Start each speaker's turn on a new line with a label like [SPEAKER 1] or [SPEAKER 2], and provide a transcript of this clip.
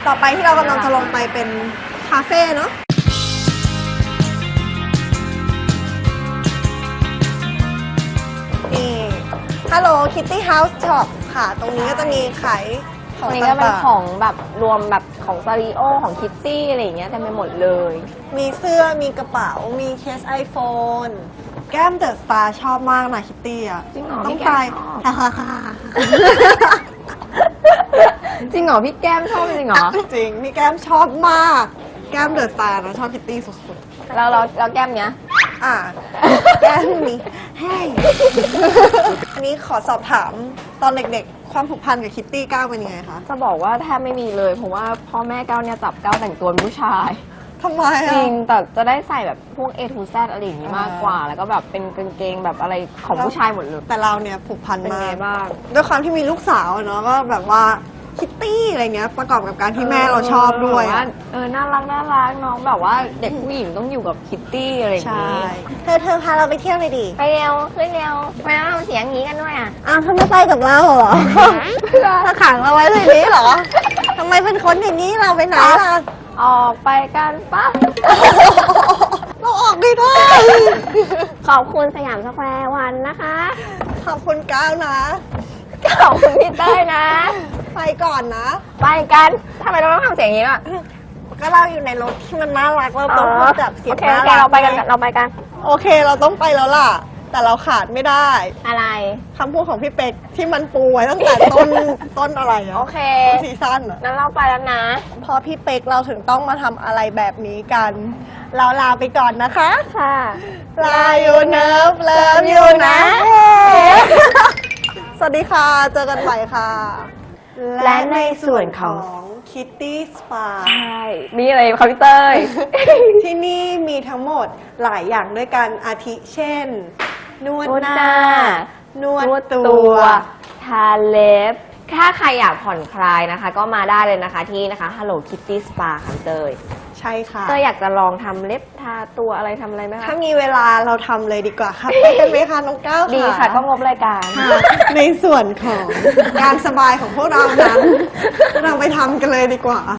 [SPEAKER 1] ต่อไปที่เรากำลังจะลงไปเป็นคาเฟ่เนาะนี่ Hello Kitty House Shop ค่ะ ตรงนี้ก็จะมีขายข
[SPEAKER 2] ต
[SPEAKER 1] อ
[SPEAKER 2] รง งนี้ก็เป็น
[SPEAKER 1] ต่าง
[SPEAKER 2] ของแบบรวมแบบของซาริโอของคิตตี้อะไรอย่างเงี้ยเต็มไปหมดเลย
[SPEAKER 1] ๆมีเสื้อมีกระเป๋ามีเคส iPhone แก้มเดอะสตาร์ชอบมากนะคิตตี้อ่ะ
[SPEAKER 2] จริงเหรอ
[SPEAKER 1] ต้อง
[SPEAKER 2] พี่
[SPEAKER 1] ไป
[SPEAKER 2] แก้มชอบ จริงเหรอพี่แก้มชอบจริงเหรอ
[SPEAKER 1] จริงพี่แก้มชอบมาก แก้มเดอะสตาร์นะชอบคิตตี้สุดๆ
[SPEAKER 2] แล้วแก้มเนี้ย
[SPEAKER 1] แก้มนี้ให้ อันนี้ขอสอบถามตอนเด็กๆ ความผูกพันกับคิตตี้ก้าวเป็นยังไงคะ
[SPEAKER 2] จะบอกว่าแทบไม่มีเลยเพราะว่าพ่อแม่ก้าวเนี่ยจับก้าวแต่งตัวเป็นผู้ชาย
[SPEAKER 1] ทำไม
[SPEAKER 2] จ
[SPEAKER 1] อ่ะ
[SPEAKER 2] ริงแต่จะได้ใส่แบบพวก A to Z อะไรอย่างงี้มากกว่า แล้วก็แบบเป็นกางเกงแบบอะไรของผู้ชายหมดเลย
[SPEAKER 1] แต่เราเนี่ยผูกพัน
[SPEAKER 2] เป็น
[SPEAKER 1] มา
[SPEAKER 2] ไง
[SPEAKER 1] ก
[SPEAKER 2] บ้าง
[SPEAKER 1] ด้วยความที่มีลูกสาวอะเนาะก็แบบว่าคิตตี้อะไรเงี้ยประกอบกับการที่แม่เราชอบด้วย
[SPEAKER 2] แบบาน่ารักน้องแบบว่าเด็กผู้หญิงต้องอยู่กับคิตตี้อะไรอย่าง
[SPEAKER 1] ใช่
[SPEAKER 2] งี้
[SPEAKER 1] เธอพาเราไปเที่ยวเลยดิ
[SPEAKER 2] ไปเร็วขึ้นเร็วทำไมต้องทำเสียงอย่างนี้กันด้วยอ่ะ
[SPEAKER 1] อ้าวทำไมไปกับเราเหรอ ถ้าขังเราไว้ในนี้เหรอทำไมเป็นคนอย่างนี้เราไปไหนล่ะ
[SPEAKER 2] ออกไปกันปะ
[SPEAKER 1] เราออกไม่ได้
[SPEAKER 2] ขอบคุณสยามสแควร์วันนะคะ
[SPEAKER 1] ขอบคุณก้าวนะ
[SPEAKER 2] ขอบคุณพี่เต้ยนะ
[SPEAKER 1] ไปก่อนนะ
[SPEAKER 2] ไปกันทำไมเราต้องทำเสียงอย่างนี้ล่ะ
[SPEAKER 1] ก็เราอยู่ในรถที่มันน่ารักเราต้องพูดแบบเสียง
[SPEAKER 2] โอเค
[SPEAKER 1] น่า
[SPEAKER 2] โอเค
[SPEAKER 1] รัก
[SPEAKER 2] เราไปกันเราไปกัน
[SPEAKER 1] โอเคเราต้องไปแล้วล่ะ แต่เราขาดไม่ได้
[SPEAKER 2] อะไร
[SPEAKER 1] คำพูดของพี่เป็กที่มันปูไว้ตั้งแต่ต้นอะไรอะ
[SPEAKER 2] โอเค
[SPEAKER 1] ซีซั่นอะ
[SPEAKER 2] งั้นเราไปแล้วนะ
[SPEAKER 1] พอพี่เป็กเราถึงต้องมาทำอะไรแบบนี้กัน เราลาไปก่อนนะคะ
[SPEAKER 2] ค่ะ
[SPEAKER 1] ลาอยู่เนิฟเลิฟอยู่นะ สวัสดีค่ะ เจอกันใหม่ค่ะ
[SPEAKER 2] และในส่วนของ
[SPEAKER 1] Kitty Spa
[SPEAKER 2] ใช่มีอะไรคอมพิวเตอร์
[SPEAKER 1] ที่นี่มีทั้งหมดหลายอย่างด้วยกันอาทิเช่น นวด
[SPEAKER 2] นวด
[SPEAKER 1] ห
[SPEAKER 2] ห
[SPEAKER 1] น้า
[SPEAKER 2] น้า
[SPEAKER 1] นวด
[SPEAKER 2] นวด
[SPEAKER 1] ตั
[SPEAKER 2] ตัว ว ทาเล็บ ถ้าใครอยากผ่อนคลายนะคะ ก็มาได้เลยนะคะที่นะคะ Hello Kitty Spa ค่ะเตย
[SPEAKER 1] ใช่ค่ะ
[SPEAKER 2] เตยอยากจะลองทำเล็บทาตัวอะไรทำอะไรไหมคะ
[SPEAKER 1] ถ้ามีเวลาเราทำเลยดีกว่าค่ะ ไปกันไหมคะน้องก้าว
[SPEAKER 2] ดีค่ะก็งบรายการ
[SPEAKER 1] ค่ะในส่วนของการสบายของพวกเรานั้น เราไปทำกันเลยดีกว่า